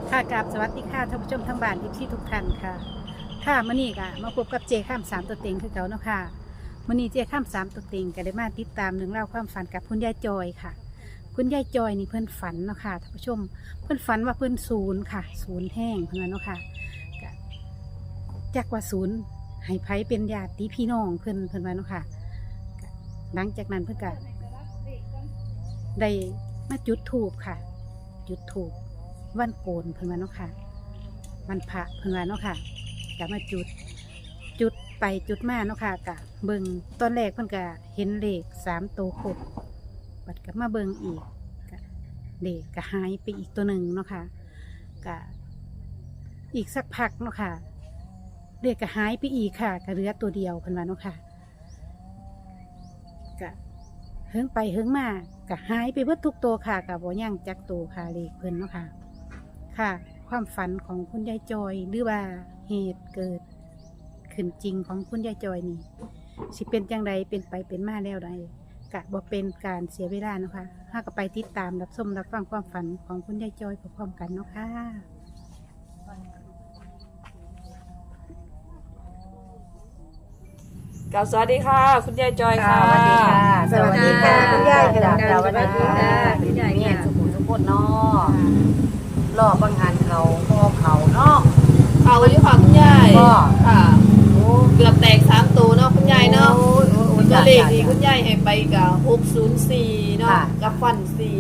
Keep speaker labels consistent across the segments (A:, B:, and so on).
A: ค่ะกราบสวัสดีค่ะท่านผู้ชมทั้งบ้านที่ทุกท่านค่ะค่ะมื้อนี้ก็มาพบกับเจข้ามสามตัวเต็งคือเก่าเนาะค่ะมื้อนี้เจข้ามสามตัวเต็งก็ได้มาติดตามเรื่องเล่าวความฝันกับคุณยายจอยค่ะ คุณยายจอยนี่เพิ่นฝันเนาะค่ะท่านผู้ชมเพิ่นฝันว่าเพิ่นศูนย์ค่ะศูนย์แห้งเพิ่นว่าเนาะค่ะก็จักว่าศูนย์ให้ไผเป็นญาติพี่น้องเพิ่นว่าเนาะค่ะก็หลังจากนั้นเพิ่นก็ได้มาจุดธูปค่ะ จุดธูปวันโกนเพิ่นว่าเนาะค่ะวันพระเพิ่นว่าเนาะค่ะก็มาจุดไปจุดมาเนาะค่ะกะเบิ่งตอนแรกเพิ่นก็เห็นเลข3ตัวครบบัดก็มาเบิ่งอีกก็เลขก็หายไปอีกตัวหนึ่งเนาะค่ะก็อีกสักพักเนาะค่ะเลขก็หายไปอีกค่ะก็เหลือตัวเดียวเพิ่นว่าเนาะค่ะก็เฮิงไปเฮิงมาก็หายไปเบิดทุกตัวค่ะก็บ่ยังจักตัวค่ะเลขเพิ่นเนาะค่ะค่ะความฝันของคุณยายจอยหรือว่าเหตุเกิดขึ้นจริงของคุณยายจอยนี่สิเป็นจังใดเป็นไปเป็นมาแล้วใดกะบ่เป็นการเสียเวลาเนาะค่ะถ้าก็ไปติดตามรับชมรับฟังความฝันของคุณยายจอยพร้อมๆกันเนาะค่ะ
B: กับสวัสดีค่ะ คุณยายจอยค่ะ
A: สวัสดีค่ะคุณยาย
C: สวัสดีค่ะคุณยายเนี่ยสุขุมสุขคนเนาะรอบางงานเขาพ่อเขาเนาะ
B: เขาอยู่ค่ะคุณยาย
C: ก็
B: ค่ะเกือบแตก3ตัวเนาะคุณยายเนาะตัวเลขที่คุณยายให้ไปกับ604เนาะกับฟัน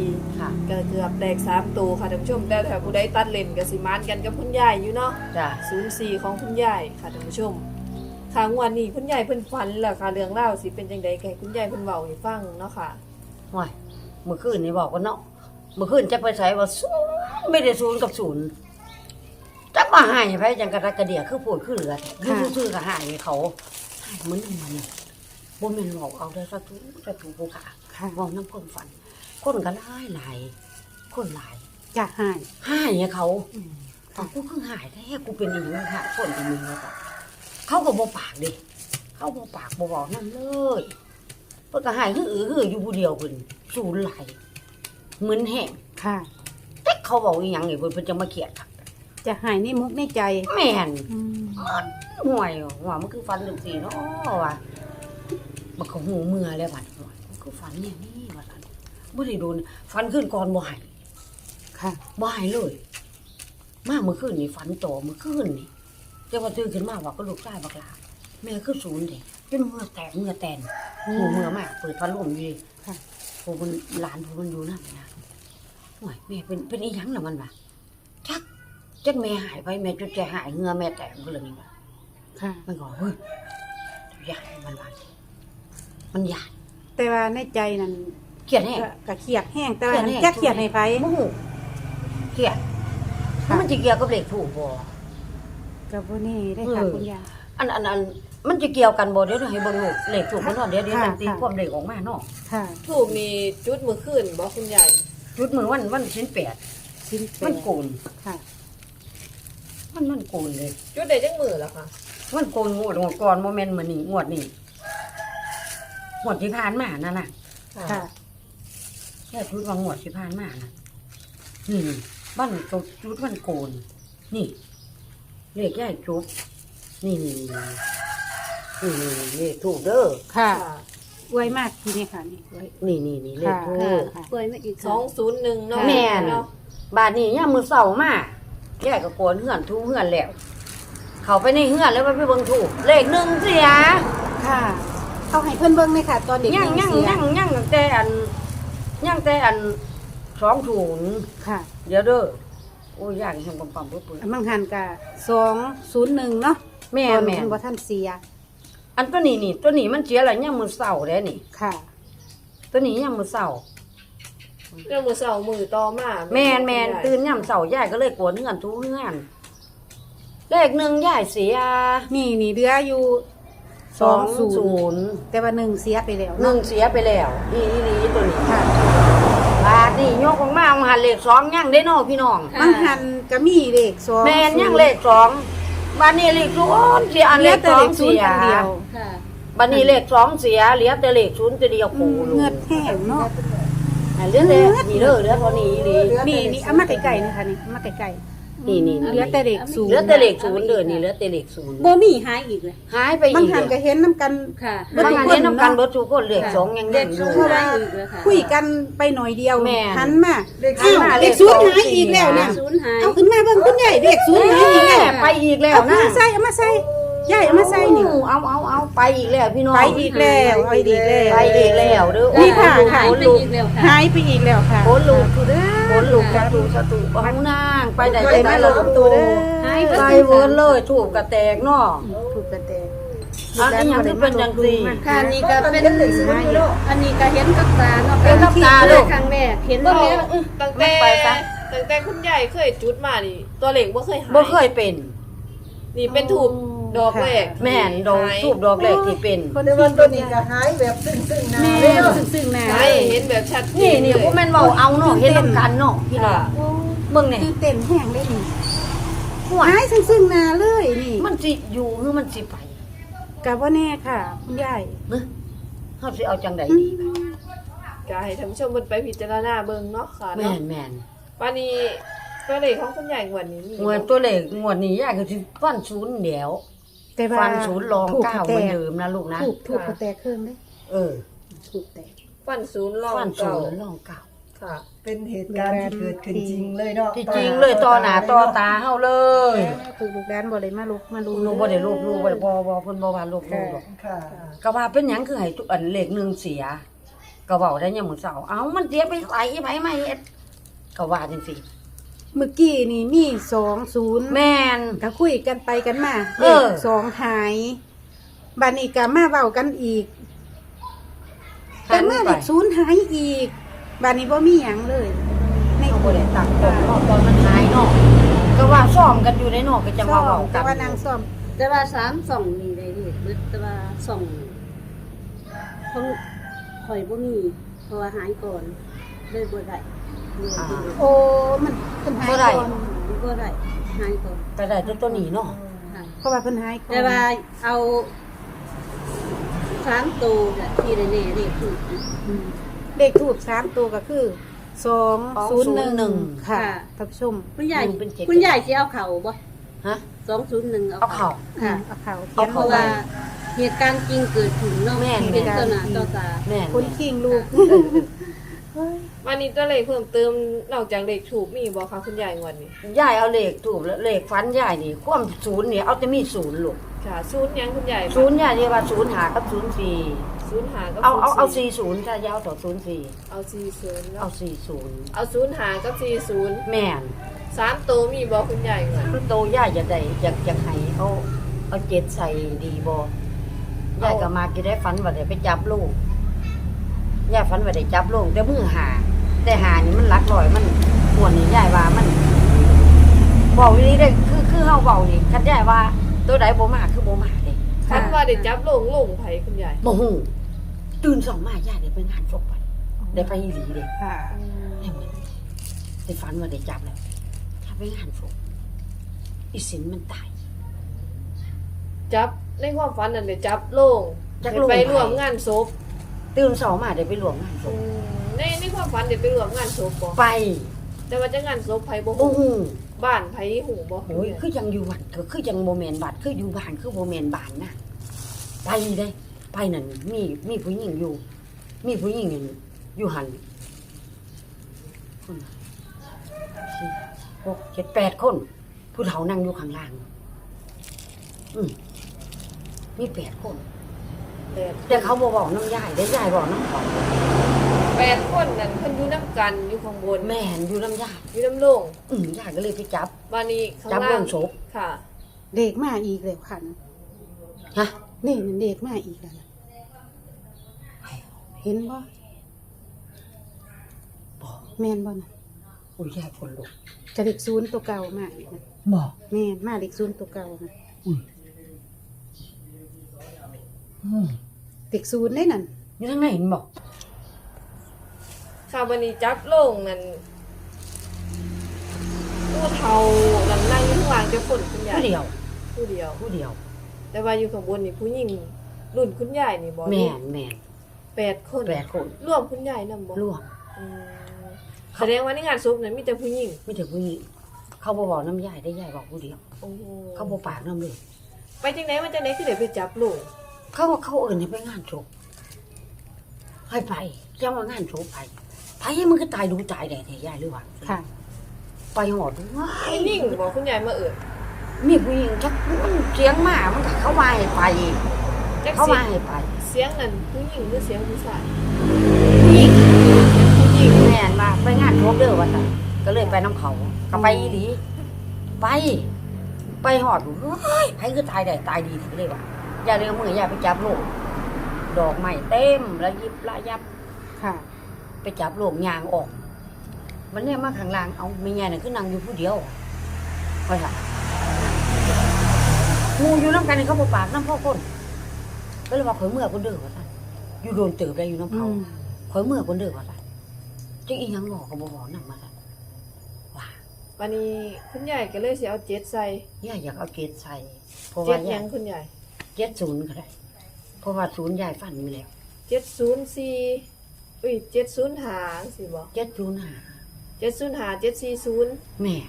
B: 4
C: ค่ะ
B: ก็เกือบแตก3ตัวค่ะท่านผู้ชมแต่ถ้าผู้ใดตัดเลนก็สิมานกันกับคุณยายอยู่เนาะ
C: จ้ะ
B: 04ของคุณยายค่ะท่านผู้ชมค่ะงวันนี้คุณยายเพิ่นฝันแล้วค่ะเรื่องเล่าวสิเป็นจังได๋ให้คุณยายเพิ่นเว้าให้ฟังเนาะค่ะ
C: ห่วยเมื่อคืนนี่บอกว่าเนาะเมื่อคืนจะไปใช้ว่าศูนย์ไม่ได้ศูนย์กับศูนย์จะมาหายไปจังกระกระเดียคือพูดคือเหลือคือซื่อๆก็หายเขาหายเหมือนมันบ่แม่นบอกเอาได้สักทุกผู้ขาบอกน้ำคนฝัน คนก็หลายคนหลาย
A: จะหาย
C: หายเขากูเพิ่งหายแท้กูเป็นอีกแล้วค่ะคนเป็นมึงแล้วก็เขาก็บ่ปากดิเขาบ่ปากบ่บอกนั่นเลยเพิ่นก็หายคืออยู่ผู้เดียวเพิ่นสูญหลายเหมือนแห้ง
A: ค่ะ
C: แต่เขาบอกอีหยังนี่เพิ่นจะมาเขียดค่ะ
A: จะหายในมุกในใจ
C: แม่น
A: อืม
C: ห่วยว่ามันคือฟันจังซี่เนาะว่ามันก็หูเมื่อแล้วบัดห่วยมันคือฟันเนี่ยนี่ว่าซั่นบ่ได้โดนฟันขึ้นก่อนบ่หาย
A: ค่ะ
C: บ่หายเลย มาเมื่อคืนนี่ฝันต่อเมื่อคืนนี่แต่ว่าตื่นขึ้นมาว่าก็ลูกชายบักหลาแม่คือศูนย์เด้จนเมื่อแตกเมื่อแตนหูเมื่อมากเปิดพัดลมอยู่เลย
A: ค่ะ
C: ผู้มันหลานผู้มันอยู่นั่นนะโอ้ยแม่เป็นอีหยังล่ะมันวะจักแม่หายไปแม่จนใจหายเหงื่อแม่แตกก็เลยนี่วะ
A: ค่ะ
C: มันก็เฮ้ยใหญ่มันวะมันใหญ่
A: แต่ว่าในใจนั้น
C: เกลียดแห้ง
A: ก็เครียดแห้งแต่ว่า
C: เครียดแห้ง
A: จะเครียดให้ไผ
C: โมโหเกลียดแล้วมันจะเกี่ยวกับเหล็กถูกบ่
A: กับพวกนี้ได้ค่ะ
C: เออ
A: คุณยาย
C: อันมันจะเกี่ยวกันบ่เดี๋ยวให้เบิ่งลูกเหล็กถูกมันเนาะเดี๋ยว
A: ค่ะ
C: มันตี
A: ค่ะ
C: ความเหล็กออกมาเนาะ
A: ค่ะ
B: ถูกมีจุดมื้อคืนบ่คุณยาย
C: จุดมือวันชิ้นแปด
A: ชิ้นแป
C: มัน
A: ด
C: โกน
A: ค่ะ
C: มันโกนเลย
B: จุดได้จังมื้อแล้วค่ะ
C: มันโกนงวดก่อนโมเมนต์มื้อนี้งวดนี้งวดที่ผ่านมานั่นน่ะ
A: ค่ะ
C: แค่ชุดว่างวดที่ผ่านมาน่ะนี่บ้านตัวชุดมันโกน นี่เลขใหญ่จุบนี่เลขถูกเด้อ
A: ค่ะอวยมากทีนี้ค่ะนี่อวย
C: นี่เลข
A: ค่ะ
C: ถูก
A: ค่ะ
D: เปิดมาอีก
B: 201เนาะ
C: แม่น
B: เนาะ
C: บาดนี้ยามมื้อเช้ามาแกก็โกนเฮือนทูเฮือนแล้ว เข้าไปในเฮือนแล้วไปเบิ่งถูกเลข1เสีย
A: ค่ะเขาให้เพื่อนเบิ้งไหมค่ะ ตอนเด็ก
C: ยัง
A: เสีย
C: ตั้งแต่อัน20
A: ค่ะ
C: เดี๋ยวเด้อโอ้ยย่างแห่งปั๊มๆเปื่อย
A: มังหันกะ201เนาะ
C: ๆแม่
A: ตอน
C: แม่
A: เพิ่นบ่ท่านเสีย
C: อันตัวนี้มันเสียแล้วยามมื้อเช้าเด้นี่
A: ค่ะ
C: ตัวนี้ยามมื้อเช้า
B: เรื่องมื้อเช้ามื้อต่อมา
C: แม่นตื่นยามเช้ายายก็เลยกวนเฮือนทูเฮือนเลข1ยายเสีย
A: นี่เหลืออยู่20แต่ว่า1เสียไปแล้ว
C: หนึ่
A: เนาะ
C: งเสียไปแล้วอีตัวนี้
A: ค่ะ
C: บาทนี่ยกออกมาเอาหันเลข2ยังได้เนาะพี่น้อง
A: มังหันก็มีเลข2
C: แม่นยังเลข2บาทนี้เลข0เสียอัน
A: เห
C: เล
A: ลือ
C: ข
A: แต่เลข
C: 2เสีย
A: 0อันเดียว
D: ค่ะ
C: บาทนี้เลข2เสียเหลือแต่เลข0ตัวเดียวโคโล
A: เงือดแห้งเนาะ
C: เหลือแต่นี่เด้อเหลือเท่านี้อีหลี
A: นี่เอามาไกลๆนี่ค่ะนี่เอามาไกล
C: นี่
A: เหลือแต่เลขศูนย์
C: เหลือแต่เลขศูนย์เด้อนี่เหลือแต่เลขศูนย์
D: บ่มีหายอีกเลย
C: หายไป
A: บาง
C: อีก
A: หันก็
C: เด้อ
A: เห็นน้ำกัน
D: ค่ะ
C: บางหันเห็นน้ำกันเบิดทุกคนเลขสองยัง
D: เด็
C: นั่
D: ก
C: งอ
D: สู
C: ยู่
D: งหายอีกเลยค่ะ
A: คุยกันไปหน่อยเดียว
C: แม่
A: หันมา
C: หันมา
A: เลขศูนย์หายอีกแล้วเนี่ย
D: ศูนย์หาย
A: เอาขึ้นมาเบิ่งคุณยายเลขศูนย์หายอีกแล้ว
C: ไปอีกแล้ว
A: เอา
C: นะ
A: มาใส่เอามาใส่ยายเอามาใส่นี่
C: เอาไปอีกแล้วพี่น้อง
A: ไปอีกแล้วเอาอีกแล้ว
C: ไปอีกแล้วเด้อ
A: นี่ค่ะ
D: หาย
C: โอ้
D: ไป
C: ลูก
D: อีกแล้วค่ะ
A: หายไปอีกแล้วค่ะ
C: โอ้ลูก
A: เด้อ
C: โอ้ลูกสาธุเอานางไปได้
A: ไปมาลงตัวเด้อ
D: หายไป
C: ไปเวิร์นเลยถูกกระแตกเนาะ
A: ถูกกระแต
C: อันนี้ยังคือเป็นจังซี่
D: ค่ะอันนี้ก็เป็นอันนี้ก็เห็นกับตาเนาะ
C: เห็นกับตาลูก
D: ครั้งแรกเห็น
B: ตั้
D: แล้ว
B: งแต่คุณยายเคยจุดมานี่ตัวเลขบ่เคยหาย
C: บ่เคยเป็น
B: นี่เป็นถูกดอกแรก
C: แม่นดอกทูบดอกแรกที่เป็น
A: คน
E: แต่
A: ที่
E: ว่าตัวนี้ก็หายแบบซึ่งๆหน้า
A: แม่
E: เลยเนาะ
A: ซึ่งๆหน้า
B: ใช่เห็นแบบชัดเจ
C: นี่
B: เลย
C: พวกแม่นเว้าเอาเนาะเห็นนำกันเนาะพี่น้อง
B: ค่ะ
C: เบิ่งนี่
A: ตื่นเต้นแห้งเลยนี่
C: ห่วย
A: หายซึ่งๆหน้าเลยนี่
C: มันสิอยู่หรือมันสิไป
A: กะว่าแน่ค่ะคุณยาย
C: เนาะเฮาสิเอาจังไดดี
B: ก็ให้ท่านผู้ชมเพิ่นไปพิจารณาเบิ่งเนาะค่ะ
C: แม่
B: เนาะ
C: นแม่น
B: วันนี้ตัวเลขของคุณยายงวดนี้มี
C: งวดตัวเลขงวดนี้ยายก็สิฟันศูนย์เดียว
A: แต่ว่า
C: ฟันศูนย์รองเก้าเหมือนเดิมนะลูกนะ
A: ถูกกระแตกเครื่องเด้
C: เออ
A: ถูกแตก
B: ฟันศูนย์รอง
C: ฟันศู
B: เก่าน
C: ย์รองเก้า
B: ค่ะ
E: เป็นเหตุการณ์ที่เกิดขึ้นจริงเลยเนาะ
C: ที่จริงเลยต่อหน้าต่อตาเฮาเลย
A: คือลูกด้านบ่ได้มาลุกมาลุ
C: ลูกบ่ได้ลูกบ่ได้บ่เพิ่นบ่ว่าลูกหรอก
E: ค่ะ
C: ก็ว่าเป็นหยังคือให้ทุกอันเลขหนึงเสียก็เว้าได้ยามมื้อเช้าเอ้ามันเสียไปไสไผมาเฮ็ดก็ว่าจังซี่
A: เมื่อกี้นี่มี20
C: แม่น
A: ก็คุยกันไปกันมา
C: เออ
A: เลขสองหายบัดนี้ก็มาเว้ากันอีกแต่มาเลขศูนย์หายอีกบัดนี้บ่มีหยังเลยใน
C: เฮาบ่ได้ตักตอนเนาะตอนมันหายเนาะก็ว่าซ้อมกันอยู่ในเนาะก็จังว่าเว้า
A: แต่
C: กัน
A: ว่านางซ่อม
D: แต่ว่า3 2นี่ได้นี่แต่ว่า2ของข่อยบ่มีเพราะว่าหายก่อนเลยบ่ได้
A: โอ้มันเพิ่นหายก่อน
D: บ่ได้หายก่อน
C: ก็ได้แต่ตัวนี้เนาะ
D: ค่ะ
A: เพราะว่าเพิ่นหายก่อน
D: แต่ว่าเอา3ตัวน่ะที่แน่ๆเลขถูก
A: อืมเลขทูบ3ตัวก็คือ201ค่ะท่านผู้ชม
D: คุณยาย
C: เป็นเจ็ด
D: คุณยายสิเอาเข่าบ่
C: ฮะ
D: 201
C: เอาเข้า
D: ค่ะ
A: เอาเขา
C: เอา
D: เพ
C: เข้า
D: ราะว่าเหตุการณ์จริงเกิดขึ้นเนาะ
C: แม่น
D: เป็นต่อหน้าต่อตา
C: แม่น
A: คนคิงลูก
B: วันนี้ตัวเลขเพิ่มเติมนอกจากเลขถูกมีบ่คะคุณยายงวดนี้
C: ยายเอาเลขถูกแล้วเลขฟันยายนี่ความศูนย์นี่เอาแต่มีศูนย์ลูก
B: ค่ะศูนย์หยังคุณยาย
C: ศูนย์ยายเรียกว่าศูนย์หากับศูนย์สี่
B: ศูนย์หากับ
C: เอา
B: ศูนย์
C: สี่ศูนย์ถ้ายาวต่อศูนย์สี่
B: เอา40
C: เอา
B: เนาะ
C: สี่ศูนย์
B: เอาศูนย์หากับ40
C: แม่น
B: 3ตัวมีบ่คุณยายงวด
C: คือโตยายจะได้อยากให้เอาเจ็ดใส่ดีบ่ยายก็มากินได้ฝันว่าได้ไปจับลูกยายฝันว่าได้จับลูกแต่มือหาแต่หานี่มันหลักร้อยมันม่วนนี่ยายว่ามันเว้าอีหลีเด้คือเฮาเว้านี่คันยายว่าตัวใดบ่มาคือบ่มาเด้
B: คันว่าได้จับลงไผคุณยาย
C: บ่ฮู้ตื่นสองมายายได้ไปงานศพไปได้ไปอีหลีเด้
A: ค่ะ
C: ได้เหมือนได้ฝันว่าได้จับแล้วถ้าไปงานศพอีสินมันตาย
B: จับในความฝันนั่นได้จับลง
C: จับโลง
B: ไปร่วมงานศพ
C: ตื่นสองมาได้ไปร่วมงานศพ
B: ในความฝันได้ไปร่วมงานศพบ่
C: ไป
B: แต่ว่าจะงานศพไผบ่
C: โอ้
B: ฮู้
C: โห
B: บ้านไผฮู้บ่
C: โอ้ยคือยังอยู่วัดก็คือยังโมเมนบัดคืออยู่บ้านคือโมเมนบ้านนะไปได้ไปนั่นมีผู้หญิงอยู่ มีผู้หญิงอยู่หันคนสี่หกเจ็ดแปดคน ผู้เฒ่านั่งอยู่ข้างล่างมี8 คน แต่เขาบอกน้ำยายได้ยายบอกน้ำเขา
B: 8คนนั่นเพิ่นอยู่นํกันอยู่ข้างบน
C: แม่นอยู่น้ำยาย
B: อยู่น้ำโลง
C: ยายก็เลยไปจับ
B: บ้านนี้ข้าง
C: จับ
B: ล่า
C: โล
B: ง
C: งศพ
B: ค่ะ
A: เด็กมาอีกแล้วคัน
C: ฮะ
A: นี่นั่นเด็กมาอีกแล้วนะเห็นบ่
C: บอก
A: แม่นบ่น่ะ
C: อุ้ยยายคนลุก
A: จะเด็กศูนย์ตัวเก่ามาอีกนะ
C: บอก
A: แม่นมาเด็กศูนย์ตัวเก่านะ เด็กศูนย์ได้นั่น
C: อยู่ทางไหนเห็นบอก
B: ค่ะวันนี้จับลงนั่นผู้เฒ่านั่งอยู่ข้างล่างจะคนคุณยาย
C: ผู้เดียว
B: ผู้เดียว
C: ผู้เดียว
B: แต่ว่าอยู่ข้างบนนี่ผู้หญิงรุ่นคุณยายนี่บ่
C: แม่น
B: 8คน
C: 8 คน
B: รวมคุณยายนำบ่
C: ร่วม
B: อืมแสดงว่าในงานศพนั้นมีแต่ผู้หญิง
C: ไม่ถึงผู้หญิงเขาบ่บอกน้ำยายได้ยายบอกผู้เดียว
B: โอ้โห
C: เขาบ่ปากน้ำเลย
B: ไปจังไหนมาจังไหนคือเดี๋ยวไปจับลูก
C: เขาเอิ้นให้ไปงานศพให้ไปจะว่างานศพไปมันก็ตายดูตายได้แท้ยายหรือว่า
A: ค่ะ
C: ไปหอดว้า
B: ไอ้
C: ย
B: นิ่งบอกคุณยายมาเอิด
C: มีผู้หญิงชักมันเสียงมามันก็เข้ามาให้ไป
B: จัก
C: เข้า
B: เสีย
C: มาง ให้ไป
B: เสียงนั่นผู้หญิงหรือเสียงผู้ชาย
C: ผู้หญิง
B: ผู้หญิง
C: แม่นมาไปงานศพเด้อว่าซั่นก็เลยไปน้ำเขาก็ไปอีหลีไปหอดเฮ้ยไผคือตายได้ตายดีถึงเลยว่ะอย่าเรื่องมืออย่าไปจับโลกดอกไม้เต็มแล้วยิบละยับ
A: ค่ะ
C: ไปจับโลกยางออก มันเนี่ยมาข้างล่างเอาไม่ไงน่ะคือนั่งอยู่ผู้เดียวว่าซั่นงูอยู่น้ำกันนี่เขาบ่ปากน้ำพ่อคนก็เลยว่าข่อยเมื่อคนเด้อว่าซั่นอยู่โดนเติบได้อยู่น้ำเขาข่อยเมื่อคนเด้อว่าซั่นจังอีหยังบอกก็บ่บอกนำมาซั่นว่า
B: วันนี้คุณยายก็เลยสิเอาเจ็ดใส่
C: ย่าอยากเอาเกศใส่เพราะ
B: เจ็
C: ว่า
B: ดห
C: ย่า
B: ยังคุณยาย
C: 70ก็ได้เพราะว่า0ยายฟันมีแล้ว
B: 704อุ้ย705สิบ่
C: 705
B: 705 740
C: แม่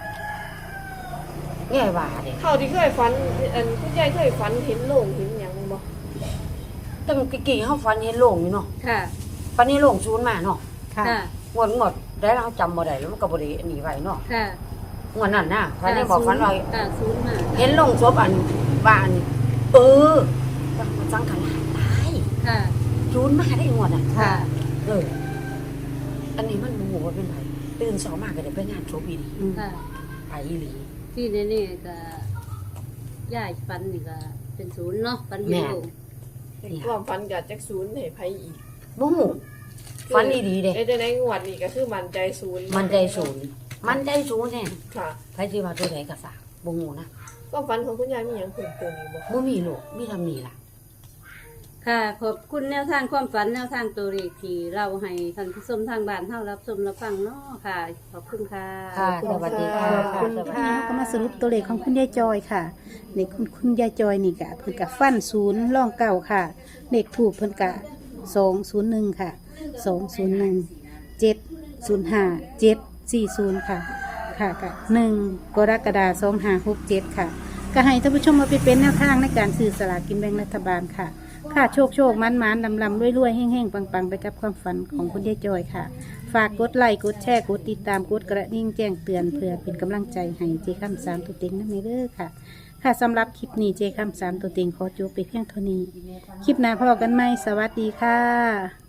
C: ยายว่าเด้
B: เขาที่เคยฝันอันคุณยายเคยฝันเห็นโลงเห็นหยังบ่
C: ตั้งกี่เฮาฟันเห็นโลงอยู่เนาะ
D: ค่ะ
C: ปันนี้โลง0มาเนาะ
A: ค่ะ
D: ค่ะ
C: งวดได้เราจำบ่ได้แล้วมันก็บ่ได้อันนี้ไว้เนาะ
D: ค่ะ
C: งวดนั้นน่ะฟันได้บอกฟันว่า
D: ค่ะศูนย์มา
C: เห็นลงศพอันบ้านสังขารตาย
D: ค่ะ
C: จูนมาได้งวดอ่ะ
D: ค่ะ
C: อันนี้มันโมโหว่าเป็นไรตื่นเช้ามากก็ได้ไปงานศพอีหลี
D: ค่ะ
C: ไปอีหลี
D: ที่นี่ก็ย่ายฟันนี่ก็เป็นศูนย์เนาะฟันเดียว
B: ความฝันก็จักศูนย์ให้ไผอีก
C: โมโหฟันอีหลีเด้
B: ได้ในงวดนี้ก็คือมั่นใจศูนย์
C: มันใจศูนย์แน่
B: ค่ะ
C: ใครที่ว่าตัวไหนก็ฝากโมโหนะ
B: ความฝันของคุณยายมีหยังเพิ่มเติมอีกบ่
C: บ่มีลูกมีทำนี่ล่ะ
D: ค่ะ ขอบคุณแนวทางความฝันแนวทางตัวเลขที่เราให้ท่านผู้ชมทางบ้านเฮารับชมรับฟังเนาะค่ะ ขอบคุณค่ะ
C: ค่ะสวัสดีค่ะ
A: ขอบคุณ
C: สวัสดี
A: ค่ะก็มาสรุปตัวเลขของคุณยายจอยค่ะเลขคุณยายจอยนี่กะเพิ่นกะฟัน0ร่องเก่าค่ะเลขถูกเพิ่นกะ201ค่ะ201 705 740ค่ะค่ะกะ1กรกฎาคม2567ค่ะก็ให้ท่านผู้ชมมาไปเป็นแนวทางในการซื้อสลากกินแบ่งรัฐบาลค่ะค่ะโชคมันลำรวยแห้งๆปังๆไปกับความฝันของคุณยายจอยค่ะ ฝากกดไลค์กดแชร์กดติดตามกดกระดิ่งแจ้งเตือนเพื่อเป็นกำลังใจให้เจคำ3ตัวเต็งนั่นเองค่ะ ค่ะสำหรับคลิปนี้เจคำ3ตัวเต็งขอจบไปเพียงเท่านี้ คลิปหน้าพบกันไหมสวัสดีค่ะ